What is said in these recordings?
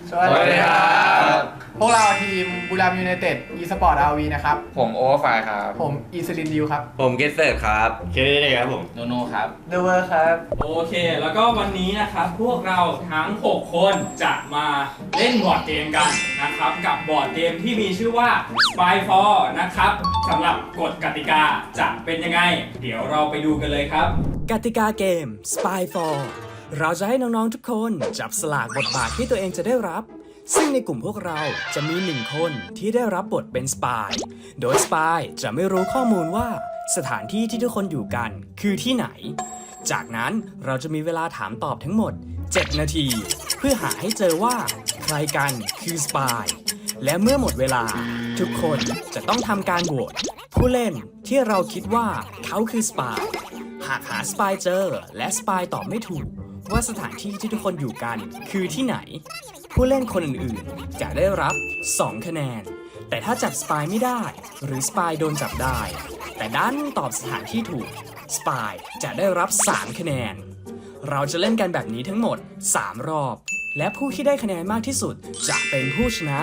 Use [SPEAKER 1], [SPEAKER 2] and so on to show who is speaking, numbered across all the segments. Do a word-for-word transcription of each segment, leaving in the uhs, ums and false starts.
[SPEAKER 1] สวัสดีครับพวกเราทีมบุรีรัมย์ยูไนเต็ดอีสปอร์ตอาร์วีนะครับ
[SPEAKER 2] ผมโอเวอร์ไฟครับ
[SPEAKER 1] ผมอีสลินดิวครับ
[SPEAKER 3] ผมเกสเซอร์ครับ
[SPEAKER 4] เคเดครับผม
[SPEAKER 2] โนโนครับ
[SPEAKER 1] เดเวอร์ครับ
[SPEAKER 5] โอเคแล้วก็วันนี้นะครับพวกเราทั้งหกคนจะมาเล่นบอร์ดเกมกันนะครับกับบอร์ดเกมที่มีชื่อว่า Spyfall นะครับสำหรับกฎกติกาจะเป็นยังไงเดี๋ยวเราไปดูกันเลยครับ
[SPEAKER 6] กติกาเกม Spyfall เราจะให้น้องๆทุกคนจับสลากบทบาทที่ตัวเองจะได้รับซึ่งในกลุ่มพวกเราจะมีหนึ่งคนที่ได้รับบทเป็นสปายโดยสปายจะไม่รู้ข้อมูลว่าสถานที่ที่ทุกคนอยู่กันคือที่ไหนจากนั้นเราจะมีเวลาถามตอบทั้งหมดเจ็ดนาทีเพื่อหาให้เจอว่าใครกันคือสปายและเมื่อหมดเวลาทุกคนจะต้องทำการโหวตผู้เล่นที่เราคิดว่าเขาคือสปายหากหาสปายเจอและสปายตอบไม่ถูกว่าสถานที่ที่ทุกคนอยู่กันคือที่ไหนผู้เล่นคนอื่นๆจะได้รับสองคะแนนแต่ถ้าจับสปายไม่ได้หรือสปายโดนจับได้แต่ดันตอบสถานที่ถูกสปายจะได้รับสามคะแนนเราจะเล่นกันแบบนี้ทั้งหมดสามรอบและผู้ที่ได้คะแนนมากที่สุดจะเป็นผู้ชนะ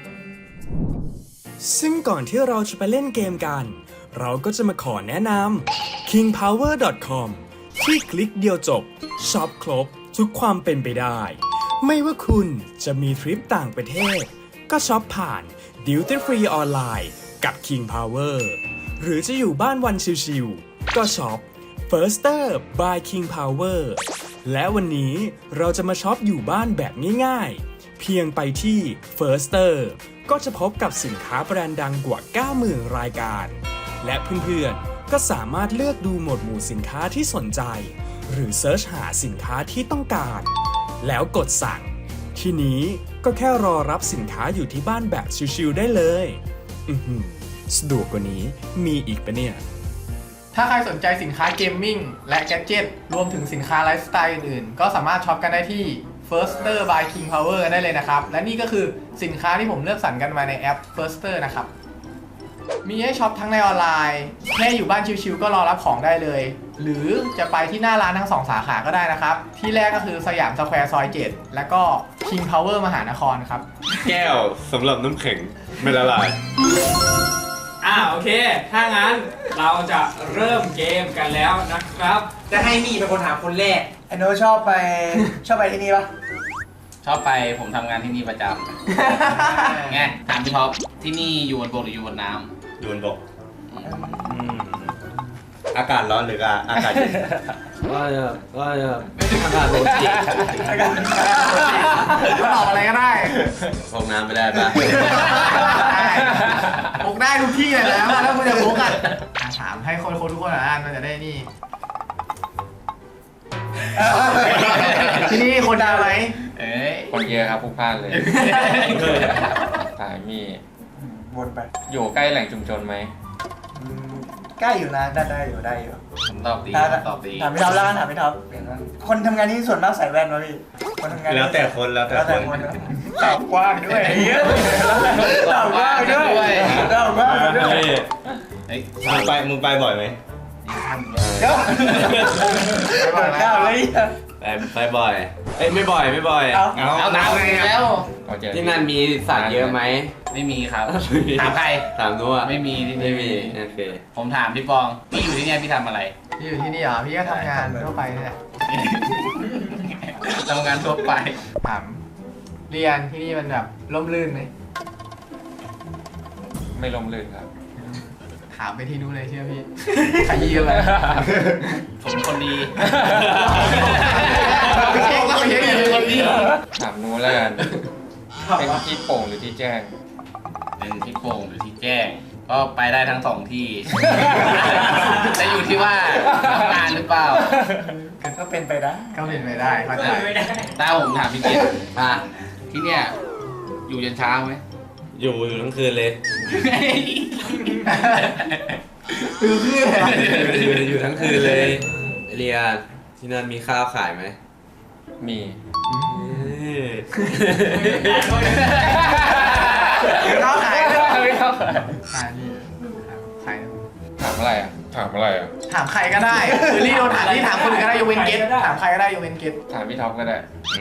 [SPEAKER 6] ซึ่งก่อนที่เราจะไปเล่นเกมกันเราก็จะมาขอแนะนำ คิง พาวเวอร์ ดอท คอม ที่คลิกเดียวจบช็อปครบทุกความเป็นไปได้ไม่ว่าคุณจะมีทริปต่างประเทศก็ช็อปผ่าน Duty Free ออนไลน์กับ King Power หรือจะอยู่บ้านวันชิวๆก็ช็อป Firster by King Power และวันนี้เราจะมาช็อปอยู่บ้านแบบง่ายๆเพียงไปที่ Firster ก็จะพบกับสินค้าแบรนด์ดังกว่า เก้าหมื่น รายการและเพื่อนๆก็สามารถเลือกดูหมวดหมู่สินค้าที่สนใจหรือเซิร์ชหาสินค้าที่ต้องการแล้วกดสั่งทีนี้ก็แค่รอรับสินค้าอยู่ที่บ้านแบบชิวๆได้เลยอือหือสะดวกกว่านี้มีอีกปะเนี่ย
[SPEAKER 1] ถ้าใครสนใจสินค้าเกมมิ่งและแกดเจ็ตรวมถึงสินค้าไลฟ์สไตล์อื่นๆก็สามารถช็อปกันได้ที่ Firster by King Power กันได้เลยนะครับและนี่ก็คือสินค้าที่ผมเลือกสรรกันมาในแอป Firster นะครับมีให้ช็อปทั้งในออนไลน์แค่อยู่บ้านชิวๆก็รอรับของได้เลยหรือจะไปที่หน้าร้านทั้งสองสาขาก็ได้นะครับที่แรกก็คือสยามสแควร์ซอยเจ็ดแล้วก็ King Power มหานครครับ
[SPEAKER 4] แก้วสำหรับน้ำแข็งไม่ละลาย
[SPEAKER 5] อ่าโอเคถ้างั้นเราจะเริ่มเกมกันแล้วนะครับ
[SPEAKER 7] จะให้มีเป็นคนถามคนแรก
[SPEAKER 1] ไอโนชอบไปชอบไปที่นี่ปะ
[SPEAKER 2] ชอบไปผมทำงานที่นี่ประจำไงถามพี่ท็อปที่นี่อยู่บนบกหรืออยู่บนน้ำ
[SPEAKER 4] อยู่บนบกอากาศร้อนหรืออากาศเย็น
[SPEAKER 3] ก็จะก็จะอากาศโรจิ
[SPEAKER 1] อากาศก็ตอบอะไรก็ได้
[SPEAKER 3] พกน้ำไม่ได้ปะ
[SPEAKER 1] พกได้ทุกที่เลยนะแล้วคุณจะพกกันถามให้คนคนทุกคนอ่านมันจะได้นี่ที่นี่คนดังไหม
[SPEAKER 2] เอ้ยคนเยอะครับพวกพลาดเลยสายมี
[SPEAKER 1] วนไป
[SPEAKER 2] อยู่ใกล้แหล่งชุมชนไหม
[SPEAKER 8] ใกล้อยู่นะได้ได้อยู่ได้อยู่
[SPEAKER 2] ผมตอบดีตอบดี
[SPEAKER 8] ถามพี่ท็อปแล้วกันถามพี่ท็อปคนทำงานที่ส่วนมากใส่แว่นวะพี่คนทำงาน
[SPEAKER 4] แล้วแต่คนแล้วแต่คน
[SPEAKER 8] ตอบกว้างด้วยตอบกว้างด้วยตอบกว้างด้วย
[SPEAKER 4] มึงไปมึงไปบ่อยไหม
[SPEAKER 8] เดี๋ยวไปบ่อยเลย
[SPEAKER 3] ไปไปบ่อยเอ้ยไม่บ่อยไม่บ่อย
[SPEAKER 8] เอา
[SPEAKER 2] เอาน้ำแล้ว
[SPEAKER 3] ที่นั่นมีสัตว์เยอะไหม
[SPEAKER 2] ไม่มีครับถามใคร
[SPEAKER 3] ถามนู้น
[SPEAKER 2] ไม่มีที่
[SPEAKER 3] ไม่มีโอเค
[SPEAKER 2] ผมถามพี่ปองพี่อยู่ที่นี่พี่ทำอะไร
[SPEAKER 1] พี่อยู่ที่นี่เหรอพี่ก็ทำงานทั่วไปนี่แหละ
[SPEAKER 2] ทำงานทั่วไป
[SPEAKER 1] ถามเรียนที่นี่มันแบบร่มรื่นไหม
[SPEAKER 2] ไม่ร่มรื่นครับ
[SPEAKER 1] ถามไปที่นู้นเลยเชื่อพี่ขยี้กันไป
[SPEAKER 2] ผมคนดีถามนู้นแล้วกันเป็นที่โป่งหรือที่แจ้งเป็นที่โป่งหรือที่แจ้งก็ไปได้ทั้งสองที่จะอยู่ที่ว่าทำงานหรือเปล่า
[SPEAKER 8] ก็เป็นไปได้
[SPEAKER 1] ก็เป็นไปได้เข้าใจ
[SPEAKER 2] ถ้าผมถามพี่เกียรติอ่ะที่เนี่ยอยู่ยันเช้าไหม
[SPEAKER 3] อยู่อยู่ทั้งคืนเลย
[SPEAKER 1] คือคืน
[SPEAKER 3] อยู่อยู่ทั้งคืนเลยเรียที่นั่นมีข้าวขายไหม
[SPEAKER 2] มี
[SPEAKER 1] ข้าวขายไม่ข้าวขายขายนี่ขาย
[SPEAKER 2] ถามอะไรอ่ะถามอะไรอ่ะ
[SPEAKER 1] ถามใครก็ได้คือรีโดนถามที่ถามคนอื่นก็ได้ยกเว้นเกตถามใครก็ได้ยกเว้นเกต
[SPEAKER 2] ถามพี่ท็อปก็ได้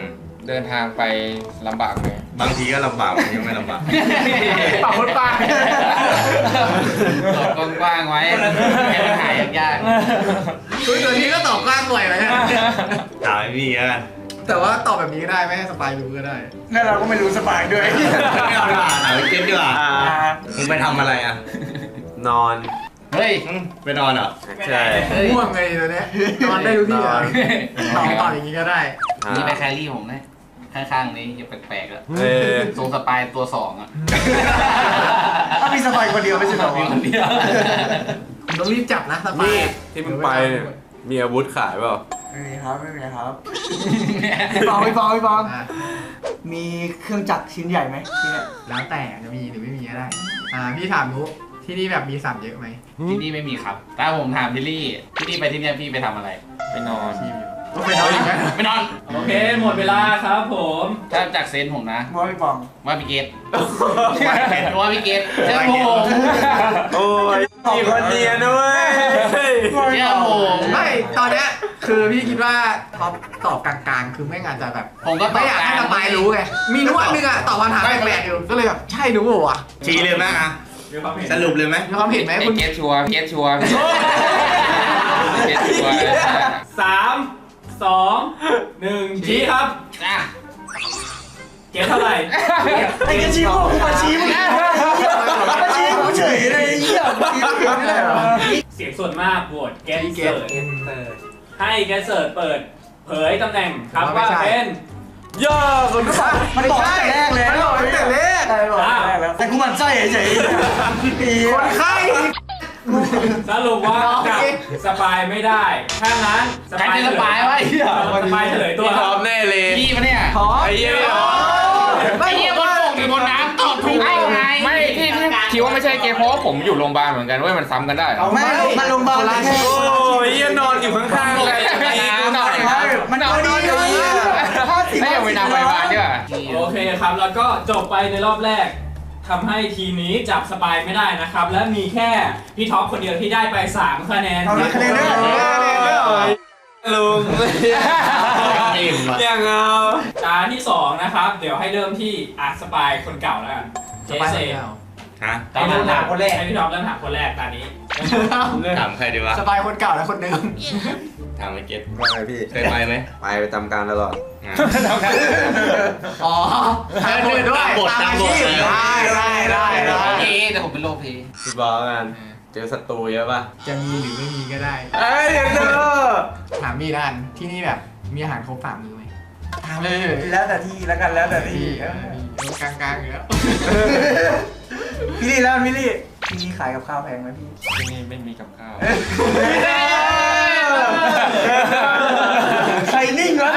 [SPEAKER 2] เดินทางไปลำบากไหม
[SPEAKER 4] บางทีก็ลำบากบางทีก็ไม่ลำบาก
[SPEAKER 1] ปากคนปาก
[SPEAKER 2] ตอบกว้างๆไว้ให้มันหายยาก
[SPEAKER 1] คุยตัวนี้ก็ตอบกล้างหน่อยไหม
[SPEAKER 4] ถามไอ้พี่กัน
[SPEAKER 1] แต่ว่าตอบแบบนี้ก็ได้ไม่ให้สปายรู้ก็ได้
[SPEAKER 8] นั่นเราก็ไม่รู้สบายด้วย
[SPEAKER 4] ไม่เอาดีกว่าถามไอ้เก็ตดีกว่ามึงไปทำอะไรอ่ะ
[SPEAKER 3] นอน
[SPEAKER 2] ๆเฮ้ย
[SPEAKER 4] ไปนอนเหรอ
[SPEAKER 3] ใช่
[SPEAKER 1] ง่วงไงตัวเนี้ยนอนได้ทุกที่เลยตอบตอบอย่างนี้ก็ได้
[SPEAKER 2] นี่ไปแครี่ผมนะข้างๆนี้ยังแปลกๆแล้ว
[SPEAKER 3] เออ
[SPEAKER 2] ทรงสปายตัวสองอ่ะ
[SPEAKER 8] ถ้ามีสบายคนเดียวไม่ใช่เหรอ
[SPEAKER 2] มีคนเดียว
[SPEAKER 1] คุณต้องรีบจับนะสปาย
[SPEAKER 3] นี่ที่มึงไปเนี่ยมีอาวุธขายเปล่า
[SPEAKER 8] ไม่มีครับไม่มีครับพี่ฟองพี่ฟองพี่ฟอง
[SPEAKER 1] อ่ะ
[SPEAKER 8] มีเครื่องจักรชิ้นใหญ่ไหมที่เนี่ย
[SPEAKER 1] แล้วแต่จะมีหรือไม่มีก็ได้ อ่าพี่ถามนุที่นี่แบบมีสัตว์เยอะไหม
[SPEAKER 2] ที่นี่ไม่มีครับถ้าผมถามพี่ลี่พี่ลี่ไปที่เนี่ยพี่ไปทำอะไร ไปนอน
[SPEAKER 1] ชีพอยู่ก็ไปนอนอีกไหม
[SPEAKER 2] ไปนอน
[SPEAKER 5] โอเค หมดเวลาครับผม
[SPEAKER 2] ถ้าจากเซนส์ผมนะ
[SPEAKER 8] ว่าพี่ฟอง
[SPEAKER 2] ว่าพี่เกตว่าพี่เกตเชื่อผม
[SPEAKER 3] โอ้ยมีคนเนียนด้วย
[SPEAKER 2] เชื่อผม
[SPEAKER 1] ไม่ตอนเนี้ยคือพี่คิดว่าท็อปตอบกลางๆ คือไม่งานจะแบบ
[SPEAKER 2] ผมก็ต
[SPEAKER 1] ไม่
[SPEAKER 2] อบ
[SPEAKER 1] อยาก
[SPEAKER 2] กลา
[SPEAKER 1] ให้
[SPEAKER 2] ง
[SPEAKER 1] สปายรู้ไง มีนุอันนึงอะตอบคำถามแปลกๆอยู่ ก็เลยแบบใช่นุเปล่าวะ
[SPEAKER 4] ชี้เลยไหมอ่ะ
[SPEAKER 5] มีความเห็น
[SPEAKER 4] สรุปเลยไหม
[SPEAKER 1] มีความเห็นไหม
[SPEAKER 2] ไอ้
[SPEAKER 1] คุณ
[SPEAKER 2] เกตชัวร์เกตชัวร์เกตชัวร์
[SPEAKER 5] สามสองหนึ่งชี้ครับ
[SPEAKER 2] อ่ะ
[SPEAKER 5] เก็บเท่าไหร่
[SPEAKER 8] ไอ้กระชี้พวกกูมาชี้มึงมาชี้กูเฉยเลยไอ้เหี้ยมาชี้กูไม่ได้เหรอ
[SPEAKER 5] เสียงส่วนมากโหวตแกน
[SPEAKER 1] พี่เก
[SPEAKER 5] เสิ
[SPEAKER 1] ต
[SPEAKER 5] ร์ชให้แกนเสิร์ชเปิด เผยตำแหน่งครับว่าเป็น
[SPEAKER 3] ย่าคน
[SPEAKER 8] มันบอกตั้งแต่แรกแล้ว
[SPEAKER 1] มันบอกตั้งแต่แรก
[SPEAKER 8] ใช่บอกตั้งแต่แรกแล้วแต่กูหมันไส้เฉยๆ
[SPEAKER 1] คนไข้
[SPEAKER 5] สรุปว่าจับสปายไม่ได้ ถ้างั้น
[SPEAKER 2] ใครเป็นสปายวะไอ้เหี้ย
[SPEAKER 5] สปายเฉลยตัว
[SPEAKER 3] พี่ท็อปแน่เลย
[SPEAKER 2] พี่ปะเนี่ย
[SPEAKER 3] ไอ้เหี้ย
[SPEAKER 2] ไอ้เหี้ยบนบกหรือบนน้ำตอบถูกได้ไง
[SPEAKER 9] ไม่ที่ที่คิดว่าไม่ใช่เกมเพราะว่าผมอยู่โรงพยาบาลเหมือนกันเว้ยมันซ้ำกันได้เหรอ
[SPEAKER 8] ไม่มันโรงพยาบาลแค่
[SPEAKER 3] โอ้ยเหี้ยนอนอยู่ข้างๆเลย
[SPEAKER 9] ไม่น้ำ
[SPEAKER 8] ไม่มันเอาดีเลยห้าสิบ
[SPEAKER 9] ไม่ยังไม่น้ำไปบ้านด้วย
[SPEAKER 5] โอเคครับ แล้วก็จบไปในรอบแรกทำให้ทีมนี้จับสปายไม่ได้นะครับ และมีแค่พี่ท็อปคนเดียวที่ได้ไปสามคะแนน
[SPEAKER 8] เอาคะแนนด้วยคะแนนด้วย
[SPEAKER 3] ลุง
[SPEAKER 2] อิ่มอะ
[SPEAKER 3] อย่างเอา
[SPEAKER 5] ตาที่สองนะครับ เดี๋ยวให้เริ่มที่อาร์ตสปายคนเก่าแล้วกันเจ
[SPEAKER 1] สปาย
[SPEAKER 5] เซ
[SPEAKER 1] คนเก่า
[SPEAKER 4] ฮะ
[SPEAKER 5] ให้เริ่มถามคนแรกให้พี่ท็อปเริ่มถามคนแรกตานี้
[SPEAKER 4] ถามใครดีวะ
[SPEAKER 1] สปายคนเก่าและคนเดิม
[SPEAKER 4] ถามไอ้เก็ต
[SPEAKER 3] ว่าไงพี่
[SPEAKER 4] เคยไปไหม
[SPEAKER 3] ไปประจำการตลอด
[SPEAKER 4] อ่ะ
[SPEAKER 1] อ๋อทางคนด้วย
[SPEAKER 4] ตามบท
[SPEAKER 1] อาชีพ
[SPEAKER 4] ตามบท
[SPEAKER 1] ได้ได้ได้ได้
[SPEAKER 2] เอแต่ผมเป็นโลเพ
[SPEAKER 3] พี่บอกกัน เจอศัตรูเยอะป่ะ
[SPEAKER 1] จะมีหรือไม่มีก็ได้
[SPEAKER 3] เอ้ยเดี๋ยวเจอ
[SPEAKER 1] ถามมีด้านที่นี่แบบมีอาหารครบสามมื้อไหมถามเลย
[SPEAKER 8] แล้วแต่ที่แล้วกันแล้วแต่ที่
[SPEAKER 1] ที่กลางๆอยู่แล้ว
[SPEAKER 8] พี่ลี่แล้วพี่ลี่พี่ลี่ขายกับข้าวแพงไหมพี่
[SPEAKER 9] ที่นี่ไม่มีกับข้าว
[SPEAKER 8] ใครนิ่งวะ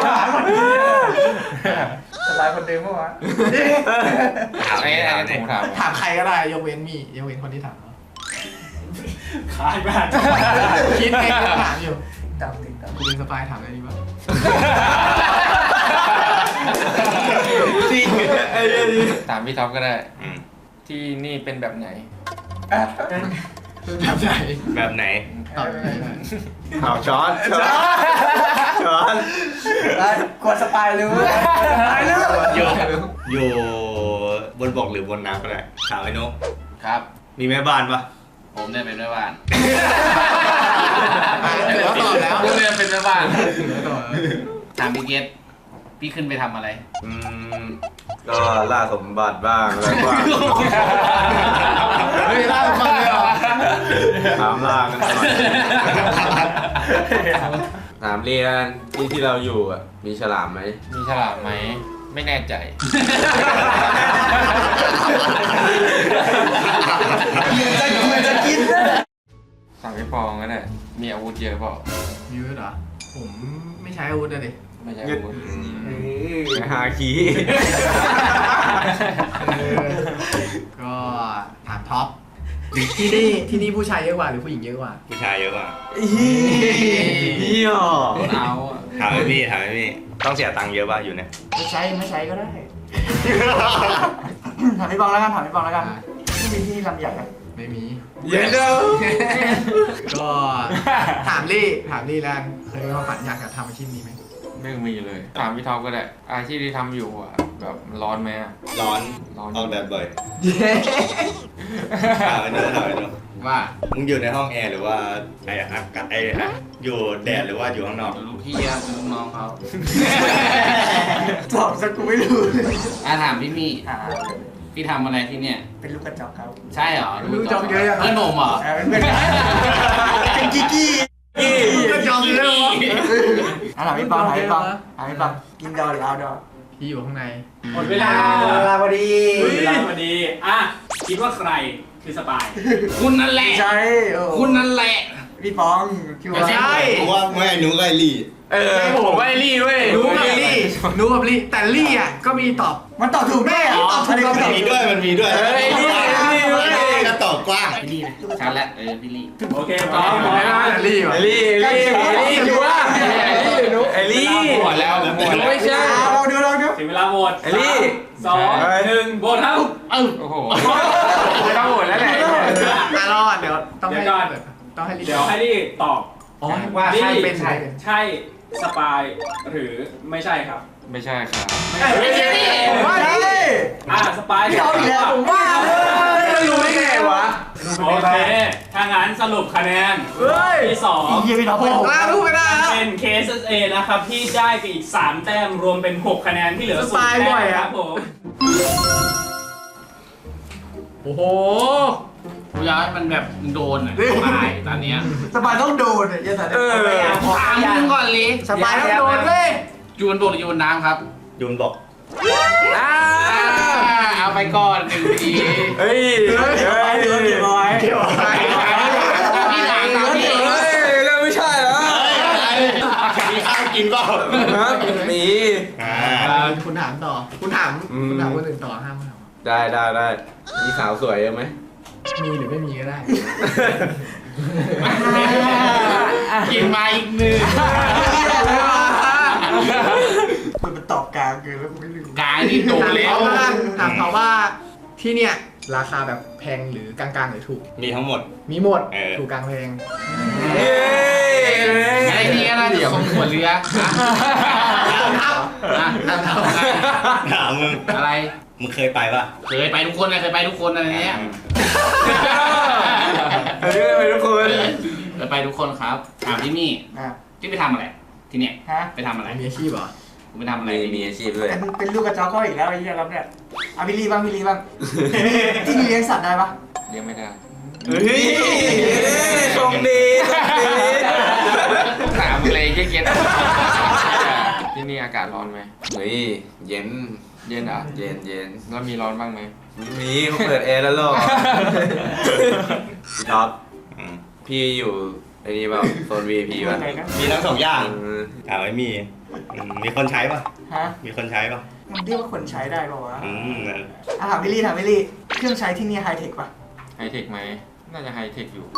[SPEAKER 8] สบายคนเดิมปะวะ
[SPEAKER 4] ถาม
[SPEAKER 9] ไอ้
[SPEAKER 4] ไอ้
[SPEAKER 9] ไอ้
[SPEAKER 4] ถาม
[SPEAKER 9] ที่ผมถาม
[SPEAKER 1] ถามใครก็ได้ยกเว้นมียกเว้นคนที่ถาม
[SPEAKER 5] ขายบ้าน
[SPEAKER 1] คิดเองก็ถามอยู่
[SPEAKER 8] ตามติดตาม
[SPEAKER 1] คุณเป็นสปายถามอะไรดีบ้าง
[SPEAKER 3] จริงไอ้เหี้ยนี่
[SPEAKER 9] ถามพี่ท็อปก็ได้
[SPEAKER 4] อืม
[SPEAKER 9] ที่นี่เป็นแบบไหน
[SPEAKER 1] แบบไหน
[SPEAKER 4] แบบไหน
[SPEAKER 1] ตอบยังไงนะ
[SPEAKER 3] ข่าวช้อนช้อนช้อน
[SPEAKER 8] กดสปายรู้สปายรู้
[SPEAKER 4] อยู่อยู่บนบกหรือบนน้ำก็ได้ถามไอ้นุ๊ก
[SPEAKER 2] ครับ
[SPEAKER 4] มีแม่บ้านปะ
[SPEAKER 2] ผมเนี่ยเป็นแม่บ้าน
[SPEAKER 1] เหลือตอบแล้ว
[SPEAKER 2] ผมเนี่ยเป็นแม่บ้าน
[SPEAKER 1] เหลือตอบแล้ว
[SPEAKER 2] ถามพี่เกตพี่ขึ้นไปทำอะไร
[SPEAKER 3] อืมก็ล่าสมบัติบ้างแล้วก็
[SPEAKER 1] เฮ้ยล่าสมบัติเลยเหรอ
[SPEAKER 3] ถามล่ากันหน่อยถามเรียนที่ที่เราอยู่อ่ะมีฉลามไหม
[SPEAKER 9] มีฉลามไหม ไม่แน่ใจ
[SPEAKER 8] จะเหมือนจะกินนะ
[SPEAKER 9] ถามพี่ปองก็ได้ มีอาวุธเยอะเปล่า
[SPEAKER 1] มีไว้เหรอ ผมไม่ใช้อาวุธเลยดิ
[SPEAKER 9] ไม่ใช่อาวุธ
[SPEAKER 3] ไอ้ฮาคี
[SPEAKER 1] ก็ถามท็อปที่นี่ที่นี่ผู้ชายเยอะกว่าหรือผู้หญิงเยอะกว่า
[SPEAKER 4] ผู้ชายเยอะกว่า
[SPEAKER 3] เหี้ย
[SPEAKER 2] เอาอะ
[SPEAKER 4] ถามไอ้พี่ถามไอ้พี่ต้องเสียตังค์เยอะป่ะอยู่เนี่ย
[SPEAKER 8] ไม่ใช้ไม่ใช้ก็ได้ ถามพี่บองแล้วกันถามพี่บองแล้วกันที่มีที่ลำใหญ่ไหม
[SPEAKER 1] ไม่มี
[SPEAKER 3] เย็นเด้อ
[SPEAKER 1] ก็ถามลี่ถามลี่แล้วกันเคยมีความฝันอยากจะทำอาชีพนี้ไหม
[SPEAKER 9] ไม่มีเลย ถามพี่ท็อปก็ได้ อาชีพที่ทำอยู่อะแบบร้อนไหมอะ
[SPEAKER 4] ร้อน
[SPEAKER 9] ร้อน
[SPEAKER 4] ออกแดดบ่อยถามไอ้โน้ตถามไอ้โน้ต
[SPEAKER 2] ว่า
[SPEAKER 4] มึงอยู่ในห้องแอร์หรือว่าไอ้อากาศไอ้อะอยู่แดดหรือว่าอยู่ข้างนอก
[SPEAKER 2] ลูกพี่อะเป็นลูกน้องเขา
[SPEAKER 8] ตอบสักกูไม่รู้เลย
[SPEAKER 2] อ่ะถามพี่มี่
[SPEAKER 8] อ่า
[SPEAKER 2] พี่ทำอะไรที่เนี่ย
[SPEAKER 8] เป็นลูกกระจอกครับ
[SPEAKER 2] ใช่เหรอ
[SPEAKER 8] ลูกกระจอกเยอะยัง
[SPEAKER 2] เพื่อนหนุ่มเหรอ
[SPEAKER 8] เออเป็นเพื่อนกันเป็นกิ๊กกี้ลูกกระจอกเยอะวะอ่ะถามพี่ปองถามพี่ปองถามพี่ปองกินดอหรือเอาดอ
[SPEAKER 1] พี่อยู่ข้างใน
[SPEAKER 5] หมดเวลา
[SPEAKER 8] เวลาพอดี
[SPEAKER 5] หมดเวลาพอดีอ่ะคิดว่าใครคือสปาย
[SPEAKER 2] คุณนั่นแหละ
[SPEAKER 8] ใช่โอ้
[SPEAKER 2] คุณนั่นแหละ
[SPEAKER 8] พี่ปองคิดว่า
[SPEAKER 2] ใช่
[SPEAKER 4] กูว่าไม่หนูกับไอ้ลี่
[SPEAKER 9] เออผมว่าไอ้ลี่เว้ย
[SPEAKER 1] รู้กับลี่รู้กับลี่แต่ลี่อ่ะก็มีตอบ
[SPEAKER 8] มันตอบถูกแน่เหรอตอบถูกก็
[SPEAKER 4] มัน
[SPEAKER 8] ตอบ
[SPEAKER 4] มีด้วยมันมีด้วย
[SPEAKER 9] เฮ้ยลี่ลี่เว้ย
[SPEAKER 4] ก็ตอบกว้าง
[SPEAKER 2] พี่ลี่นะชัดแล้วเออพี่ลี่
[SPEAKER 5] โอเคพร้อมพร้อม
[SPEAKER 1] ไม่ว่าแต่ลี่ว่ะ
[SPEAKER 9] ไอ้ลี่ไอ้ลี่ไอ้ลี่อยู่ว่าไอ้ลี่หนูไอ้ลี่หมดแล้วหมดแล้วไม่ใช่
[SPEAKER 8] อ่ะลองดูลองดู
[SPEAKER 5] ถึงเวลาโหวต
[SPEAKER 9] ไอ้ลี่
[SPEAKER 5] สามสองหนึ่งโหวตครับ
[SPEAKER 2] เออ
[SPEAKER 9] โอ้โหไม่ต้องโหวตแล้วแหละ
[SPEAKER 1] อ่ะรอดเดี๋ยวต้องให้
[SPEAKER 5] เดี๋ยวก่อน
[SPEAKER 1] ต้องให้ลี่
[SPEAKER 5] เดี๋ยวให้ที่ตอบ
[SPEAKER 1] อ๋อ
[SPEAKER 5] ว่า
[SPEAKER 1] ใช่
[SPEAKER 5] ลี่
[SPEAKER 1] เป็นใช่เป็น
[SPEAKER 5] ใช่สปายหรือไม่ใช่ครับ
[SPEAKER 9] ไม่ใช่ครับ
[SPEAKER 8] ไม่ใช่ผมว่าใช่
[SPEAKER 5] อ่ะสปาย
[SPEAKER 8] พี่เอาอีกแล้วผมว่าเลย
[SPEAKER 9] แล้วรู้ได้ไงวะ
[SPEAKER 5] โอเคถ้างั้นสรุปคะแนน
[SPEAKER 8] เฮ้ย
[SPEAKER 5] ที่สอง
[SPEAKER 8] เยี่ยพี่ท็อป
[SPEAKER 1] หกล้านรูปไม่ได้แล้ว
[SPEAKER 5] เป็น เค เอส เอ นะครับที่ได้ไปอีกสามแต้มรวมเป็นหกคะแนนที่เหลือ
[SPEAKER 1] ส
[SPEAKER 5] ศูน
[SPEAKER 1] ปาย
[SPEAKER 5] ย์แต้
[SPEAKER 1] บ่
[SPEAKER 5] ม
[SPEAKER 1] อยอะ
[SPEAKER 5] ครับผม
[SPEAKER 1] โอ้โห
[SPEAKER 2] กูอยากให้มันแบบโดนอ่ะตายตอนเนี้ย
[SPEAKER 8] สบายต้องโดนเนี่ยอย่าใส่
[SPEAKER 9] เออ
[SPEAKER 2] ถามมึงก่อนเลย
[SPEAKER 1] สปายต้องโดนเว้ย
[SPEAKER 2] ยูนบกหรือยูนน้ำครับ
[SPEAKER 4] ยูนบอก
[SPEAKER 9] อ้า
[SPEAKER 2] เอาไปก่อนหนึ่งที
[SPEAKER 9] เฮ้ย
[SPEAKER 8] สบายเดือดเดือดร้อย
[SPEAKER 1] เกี่ยวอะไร
[SPEAKER 2] พี่ถามตามพี่
[SPEAKER 9] เฮ้ยเรื่องไม่ใช่แล้ว
[SPEAKER 4] มีข้าวกินเปล่า
[SPEAKER 9] มี
[SPEAKER 4] อ่า
[SPEAKER 1] อ่าคุณถามต่อ คุณถาม
[SPEAKER 9] อืม
[SPEAKER 1] คุณถามคนอื่นต่อห้ามถาม
[SPEAKER 9] ได้ได้ได้มีสาวสวยเยอะไหม
[SPEAKER 1] มีหรือไม่มีก็ได้
[SPEAKER 2] กินมาอีกหนึ่ง
[SPEAKER 8] มันเป็นตอบกลางเกินแล้วกูไม่รู้
[SPEAKER 2] กายนี่โดนแล้ว
[SPEAKER 1] ถามเขาว่าถามเขาว่าที่เนี่ยราคาแบบแพงหรือกลางๆหรือถูก
[SPEAKER 4] มีทั้งหมด
[SPEAKER 1] มีหมด
[SPEAKER 4] เออ
[SPEAKER 1] ถูกกลางแพง
[SPEAKER 9] เย้
[SPEAKER 2] ไอ้นี่น่าจะคงหัวเรือ
[SPEAKER 1] ครับ
[SPEAKER 2] อ่ะอ่ะ
[SPEAKER 4] ถามมึง
[SPEAKER 2] อะไร
[SPEAKER 4] มึงเคยไปปะ
[SPEAKER 2] เคยไปทุกคนนะเคยไปทุกคนอะไรเนี้ย
[SPEAKER 9] เฮ้ยไปทุกคน
[SPEAKER 2] เคยไปทุกคนครับถามพี่มี่
[SPEAKER 8] อ่ะ
[SPEAKER 2] ที่ไปทำอะไรที่เนี่ย
[SPEAKER 8] ฮะ
[SPEAKER 2] ไปทำอะไร
[SPEAKER 1] มีอาชีพเหรอ
[SPEAKER 2] คุณไปทำอะไร
[SPEAKER 9] มีมีอาชีพด้วย
[SPEAKER 8] เป็นเป็นลูกกระจอกเขาอีกแล้วไอ้เหี้ยครับเนี่ยอ่ะพี่ลีบ้างพี่ลีบ้างที่นี่เลี้ยงสัตว์ได้ปะ
[SPEAKER 9] เลี้ยงไม่ได้
[SPEAKER 3] เฮ้ยชมดีชมดี
[SPEAKER 9] ถามเลยเย็นๆที่นี่อากาศร้อนไหม
[SPEAKER 3] เฮ้ยเย็น
[SPEAKER 9] เย็นอ่ะ
[SPEAKER 3] เย็นเย็น
[SPEAKER 9] แล้วมีร้อนบ้างไหม
[SPEAKER 3] มีเขาเปิดแอร์แล้วหรอพี่ท็อป
[SPEAKER 4] อืม
[SPEAKER 3] พี่อยู่ไอ้นี่เปล่าโซน วี ไอ พี ป่ะ
[SPEAKER 8] อะไรนะ
[SPEAKER 4] มีทั้งสองอย่าง
[SPEAKER 3] อืม
[SPEAKER 4] ถามไอ้มีอืมมีคนใช้ปะ
[SPEAKER 8] ฮะ
[SPEAKER 4] มีคนใช้ปะ
[SPEAKER 8] มันเรียกว่าคนใช้ได้ป่าวะ
[SPEAKER 4] อืมนั่น
[SPEAKER 8] อ่ะถามพี่ลีถามพี่ลีเครื่องใช้ที่นี่ไฮเทคปะ
[SPEAKER 9] ไฮเทคไหมน่าจะไฮเทคอยู่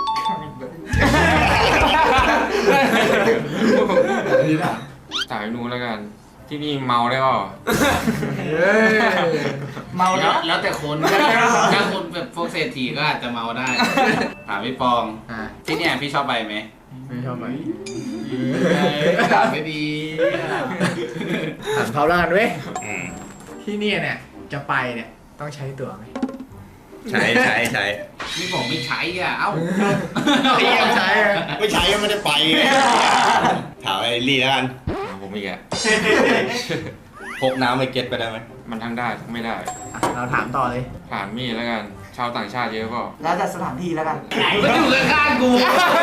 [SPEAKER 1] นี่ถาม
[SPEAKER 9] สายนู้นแล้วกัน ที่นี่เมาได้เปล่า
[SPEAKER 1] เฮ้ย
[SPEAKER 8] เมา
[SPEAKER 2] แล้
[SPEAKER 8] แล้ว ว
[SPEAKER 2] แล้วแต่คนถ้าคนแบบพวกเศรษฐีก็อาจจะเมาได้ถามพี่ปอง
[SPEAKER 1] อ่า
[SPEAKER 2] ที่เนี่ยพี่ชอบไปไหม
[SPEAKER 1] ไม่ชอบไหม
[SPEAKER 2] ถามไม่ดี
[SPEAKER 1] ถามเขาแล้วกันเว้ย
[SPEAKER 4] อืม
[SPEAKER 1] ที่เนี่ยเนี่ยจะไปเนี่ยต้องใช้ตั๋วไหม
[SPEAKER 4] ใช้ใช้ใช้
[SPEAKER 2] พี่บอกไม่ใช้อ่ะเอ้า
[SPEAKER 1] เตรียมใช้อะ
[SPEAKER 4] ไม่ใช้ก็ไม่ได้ไปไงถามไอ้ลี่แล้วกัน
[SPEAKER 9] เอาผมอีกแก
[SPEAKER 4] พกน้ำไปเก็ตไปได้ไหม
[SPEAKER 9] มันทั้งได้ทั้งไม่ได้
[SPEAKER 1] อ่ะเราถามต่อเลย
[SPEAKER 9] ถามมี่แล้วกัน ชาวต่างชาติเยอะเปล่า
[SPEAKER 8] แล้วแต่สถานที่แล้วกัน
[SPEAKER 2] ไหนมันอยู่ข้างๆกู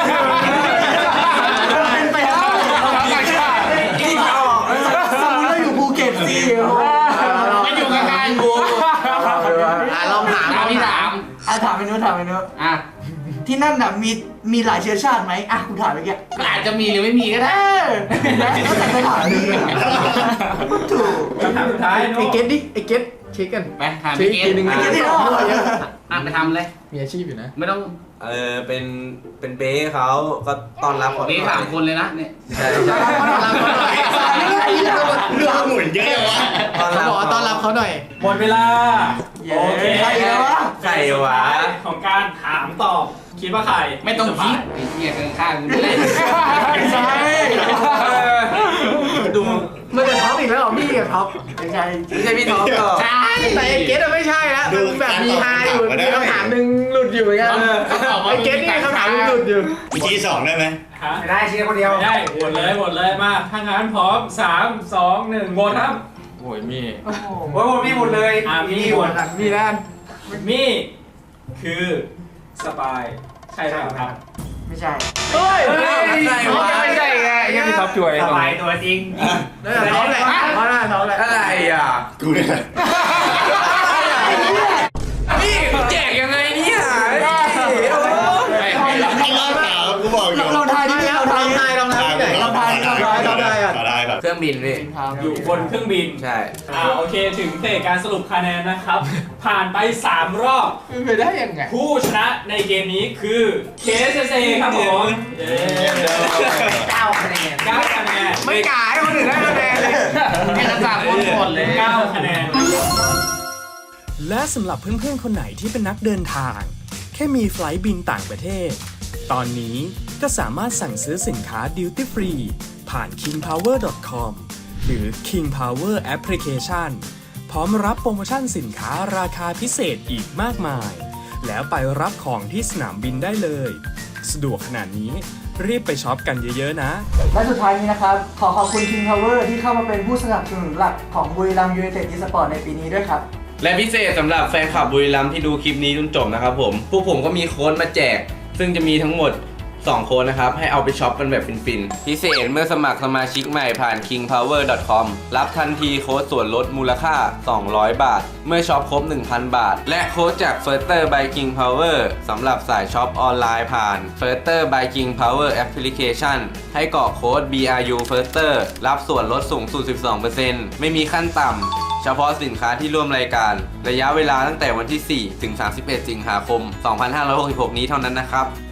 [SPEAKER 8] เป็นไปได้
[SPEAKER 9] ต่างชาติ
[SPEAKER 8] ที่ออกสมมติเราอยู่ภูเก็ตสิ
[SPEAKER 2] มันอยู่ข้างๆกู
[SPEAKER 1] อ่ะลองถาม
[SPEAKER 2] ถามพี่ถาม
[SPEAKER 8] อ่ะถามไปนู้นถามไปนู้น
[SPEAKER 2] อ่ะ
[SPEAKER 8] ที่นั่นน่ะมีมีหลายเชื้อชาติไหมอ่ะกูถามไปแก
[SPEAKER 2] ก็อาจจะมีหรือไม่มีก็
[SPEAKER 8] เอ
[SPEAKER 2] ได้
[SPEAKER 8] อแล้วแต่ไปถามนี่ถูก
[SPEAKER 5] คำถามสุดท้าย
[SPEAKER 1] ไอ้
[SPEAKER 5] โน้
[SPEAKER 1] เก็ตดิไอ้เก็ตเช็คกัน
[SPEAKER 2] ไปถาม
[SPEAKER 1] เช็ค
[SPEAKER 2] พี่
[SPEAKER 1] อี
[SPEAKER 2] เก
[SPEAKER 1] กทีหนึง
[SPEAKER 2] ต
[SPEAKER 1] ไอ้เก็ตที่
[SPEAKER 8] อ่ะ
[SPEAKER 1] ออกเยอะ
[SPEAKER 2] อ่ะไปทำเลย
[SPEAKER 1] มีอาชีพอยู่นะ
[SPEAKER 2] ไม่ต้อง
[SPEAKER 3] เออเป็นเป็นเบ้เขาก็ต้อนรับเขา
[SPEAKER 2] เรียกสามคนเลยนะเนี่ย
[SPEAKER 3] ใช่
[SPEAKER 1] ต้อนรับเขาหน่อย
[SPEAKER 4] เรื่องหมุนเยอะเลยวะ
[SPEAKER 3] ต้อน
[SPEAKER 1] เขา
[SPEAKER 3] รับ
[SPEAKER 1] บอกว่าต้อนรับเขาหน่อย
[SPEAKER 5] หมดเวลา
[SPEAKER 8] เย้
[SPEAKER 5] โอเค
[SPEAKER 8] ใครวะ
[SPEAKER 3] ใครวะ
[SPEAKER 5] ของการถามตอบคิดว่าใคร
[SPEAKER 2] ไม่ต้องคิดไอ้เหี้ยข้างๆกูนี่แหละ
[SPEAKER 8] ไม่ใช่
[SPEAKER 3] ดู
[SPEAKER 8] ไม่ใช่ไม่ใช่พี่ท็อปหรอก
[SPEAKER 1] ใช่แต่ไอ้เกตอะไม่ใช่แล้วมันแบบมีฮาอยู่มีคำถามหนึ่งหลุดอยู่เหมือนกันไอ้เกตนี่มีคำถามหนึ่งหลุดอยู่
[SPEAKER 4] มีชี้สองได้ไหม
[SPEAKER 5] ฮะ
[SPEAKER 7] ไม่ได้ชี้คนเดียว
[SPEAKER 5] ไม่ได้หมดเลยหมดเลยมาถ้างั้นพร้อมสามสองหนึ่งหมดครับ
[SPEAKER 9] โอ้ยมี
[SPEAKER 7] โอ้โหมีหมดเลย
[SPEAKER 5] อ่ามีหมด
[SPEAKER 1] มีด้าน
[SPEAKER 5] มีคือสปายใช่ไหมครับ
[SPEAKER 8] ไม่ใช่
[SPEAKER 1] เฮ้ย
[SPEAKER 9] ไม่ใช่วะไม่ใช่ไงยังมีท็อปช่วย
[SPEAKER 7] ส
[SPEAKER 9] ตรง
[SPEAKER 7] บาย
[SPEAKER 9] นี้
[SPEAKER 7] ตัวจริง
[SPEAKER 1] นั่นแหละน้องแหละน้องแหละน้องแหละ
[SPEAKER 9] อะไรอ่ะ
[SPEAKER 4] กูเนี่ย
[SPEAKER 9] นี่แจกยังไงเนี่ย
[SPEAKER 4] ไม่รอดสาวกูบอกอยู่
[SPEAKER 1] เราทายที่เราทายทายเราทายที่ไหนเราทายเราทายเราทายอ่ะ
[SPEAKER 4] ต่อได้ก่อน
[SPEAKER 3] เครื่องบินพี่
[SPEAKER 5] อยู่บนเครื่องบิน
[SPEAKER 3] ใช่
[SPEAKER 5] อ่าโอเคถึงเฟสการสรุปคะแนนนะครับ ผ่านไปสามรอบ
[SPEAKER 1] เป็นไปได้ยังไง
[SPEAKER 5] ผู้ชนะในเกมนี้คือ เค เอส เอ ครับผมเย้
[SPEAKER 7] เก้าคะแนน
[SPEAKER 5] เก้าคะแนน
[SPEAKER 1] ไม่กล้าให้คนอื่นได้คะแนนเลย
[SPEAKER 2] แค่ระดับคนหมดเลย
[SPEAKER 5] เก้าคะแนน
[SPEAKER 6] และสำหรับเพื่อนๆ คนไหนที่เป็นนักเดินทาง แค่มีไฟลท์บินต่างประเทศ ตอนนี้ก็สามารถสั่งซื้อสินค้า Duty Free ผ่าน คิงพาวเวอร์ ดอท คอม หรือ King Power Application พร้อมรับโปรโมชั่นสินค้าราคาพิเศษอีกมากมาย แล้วไปรับของที่สนามบินได้เลย สะดวกขนาดนี้รีบไปช็อปกันเยอะๆนะ
[SPEAKER 8] และสุดท้ายนี้นะครับ ขอขอบคุณ King Power ที่เข้ามาเป็นผู้สนับสนุนหลักของบุรีรัมย์ยูไนเต็ดอีสปอร์ตในปีนี้ด้วยครับ
[SPEAKER 3] และพิเศษสำหรับแฟนคลับบุรีรัมย์ที่ดูคลิปนี้จนจบนะครับผม พวกผมก็มีโค้ดมาแจก ซึ่งจะมีทั้งหมด สอง โค้ดนะครับ ให้เอาไปช็อปกันแบบฟินๆ พิเศษเมื่อสมัครสมาชิกใหม่ผ่าน คิงพาวเวอร์ ดอท คอม รับทันทีโค้ดส่วนลดมูลค่า สองร้อย บาท เมื่อช็อปครบ หนึ่งพัน บาท และโค้ดจาก Firster by King Power สำหรับสายช็อปออนไลน์ผ่าน Firster by King Power Application ให้กรอกโค้ด บี อาร์ ยู Firster รับส่วนลดสูงสุด สิบสองเปอร์เซ็นต์ ไม่มีขั้นต่ำ เฉพาะสินค้าที่ร่วมรายการ ระยะเวลาตั้งแต่วันที่ สี่ ถึง สามสิบเอ็ด สิงหาคม สองพันห้าร้อยหกสิบหก นี้เท่านั้นนะครับ